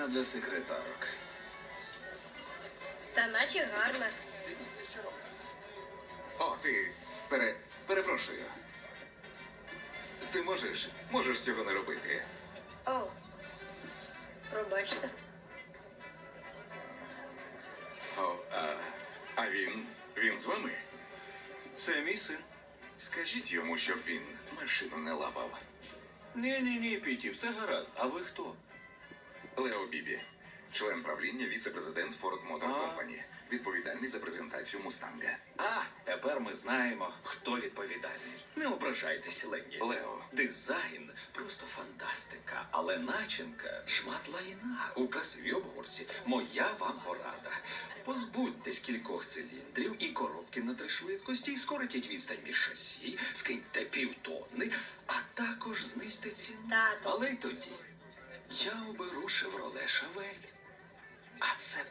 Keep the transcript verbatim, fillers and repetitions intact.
Для секретарок. Та наче гарна. О, ти пере... перепрошую. Ти можеш, можеш цього не робити. О, пробачте. О, а, а він, він з вами? Це мій син. Скажіть йому, щоб він машину не лапав. Ні-ні-ні, Піті, все гаразд. А ви хто? Лео Бібі, член правління, віце-президент Ford Motor А. Company, відповідальний за презентацію Мустанга. А, тепер ми знаємо, хто відповідальний. Не ображайтесь, Ленні. Лео. Дизайн просто фантастика, але начинка шмат лайна. У красивій обгорці моя вам порада. Позбудьтесь кількох циліндрів і коробки на три швидкості, і скоротіть відстань між шасі, скиньте півтонни, а також знизьте ціну. Тату. Але й тоді я оберу Chevrolet Chevelle. А це